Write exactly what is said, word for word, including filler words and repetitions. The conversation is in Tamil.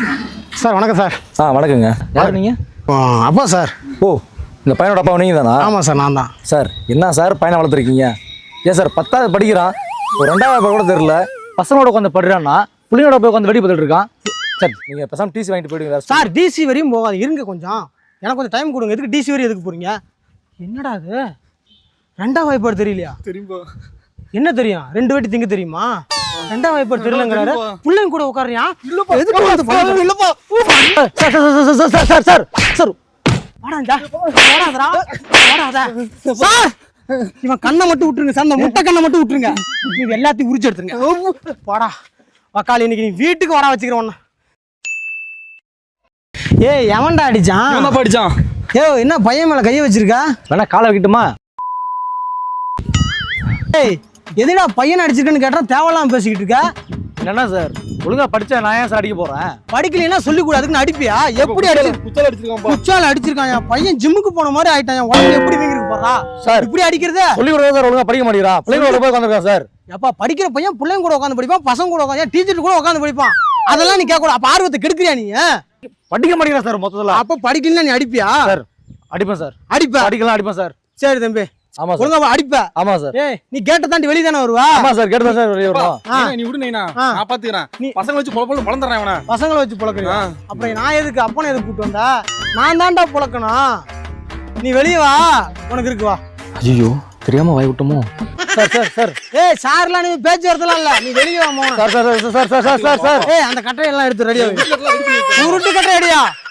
சார் வணக்கம் சார். ஆ வணக்கங்க. யார் நீங்கள்? அப்பா சார். ஓ இந்த பையனோட அப்பா நீங்கள் தானா? ஆமாம் சார், நான் தான். சார் என்ன சார் பையனை வளர்த்துருக்கீங்க? ஏன் சார் பத்தாவது படிக்கிறான், ஒரு ரெண்டாவது கூட தெரியல, பசங்களோட உட்காந்து படுறான்னா பிள்ளைங்களோட போய் உட்காந்து வெடி பார்த்துட்டு இருக்கான். சார் நீங்கள் பேசாம டிசி வாங்கிட்டு போயிடுங்க சார். டிசி வரையும் போகாது, இருங்க கொஞ்சம், எனக்கு கொஞ்சம் டைம் கொடுங்க. எதுக்கு டிசி வரையும் எதுக்கு போகிறீங்க? என்னடா அது ரெண்டாம் வாய்ப்பாடு தெரியலையா? தெரியுமா? என்ன தெரியும்? ரெண்டு வாட்டி திங்க தெரியுமா? ரெண்டாம் வாய்ப்பாடு தெரியலங்கிறாரு. பிள்ளைங்க கூட உட்காரியா? சார் சார் சார் இவன் கண்ணை மட்டும் விட்டுருங்க சார், இந்த முட்டை கண்ணை மட்டும் விட்டுருங்க, நீங்க எல்லாத்தையும் உரிச்சு எடுத்துருங்க. போடா வக்காலி, இன்னைக்கு நீ வீட்டுக்கு வர வச்சுக்கிறோம். ஏய் எவன்டா அடிச்சான்? என்ன படிச்சான்? ஏ என்ன பையன் மேல கையை வச்சிருக்கா? வேணா காலை வைக்கட்டுமா? ஏய் எதுடா பையன் அடிச்சிருக்கன்னு கேட்டா தேவையில்லாம பேசிக்கிட்டு இருக்க. என்னன்னா சார் ஒழுங்கா படிச்சா நான் ஏன் சார் அடிக்க போறேன்? படிக்கலைன்னா சொல்லி கூட அதுக்கு அடிப்பியா? எப்படி அடிச்சு குச்சால அடிச்சிருக்கான்? குச்சால அடிச்சிருக்கான். பையன் ஜிம்முக்கு போன மாதிரி ஆயிட்டான். உடம்பு எப்படி வீங்கிருக்கு போறா சார்? இப்படி அடிக்கிறதே சொல்லி கூட சார். ஒழுங்கா படிக்க மாட்டேங்கிறா, பிள்ளைங்களோட போய் உட்காந்துருக்கான் சார். எப்பா படிக்கிற பையன் பிள்ளைங்க கூட உட்காந்து படிப்பான், பசங்க கூட உட்காந்து, டீச்சர் கூட உட்காந்து படிப்பான். அதெல்லாம் நீ கேட்க கூட. அப்ப ஆர்வத்தை கெடுக்கிறியா நீ? படிக்க மாட்டேங்கிறா சார் மொத்தத்துல. அப்ப படிக்கலன்னா நீ அடிப்பியா? சார் அடிப்பேன் சார். அடிப்பேன்? அடிக்கலாம் அடிப்பேன் சார். சரி தம்பி. ஆமா சார். ஒழுங்கா அடிப்ப. ஆமா சார். ஏய் நீ கேட்ட தாண்டி வெளிய தான வருவா? ஆமா சார், கேட்ட தான் சார் வெளிய வருவோம். நீ விடு நைனா, நான் பாத்துக்கறேன். நீ பசங்க வச்சு பொள பொள பொளந்தறேன் இவனை. பசங்கள வச்சு பொளக்கறியா? அப்புறம் நான் எதுக்கு அப்பனை எதுக்கு கூட்டி வந்தா? நான் தான்டா பொளக்கணும். நீ வெளிய வா, உனக்கு இருக்கு வா. ஐயோ தெரியாம வாய் விட்டோமோ? Sir sir sir. ஏய் சார்லாம் நீ பேச்சு வரதலாம் இல்ல, நீ வெளிய வா மோன. Sir sir sir sir sir sir. ஏய் அந்த கட்டையெல்லாம் எடுத்து ரெடியா வை. உருட்டு கட்டை ரெடியா?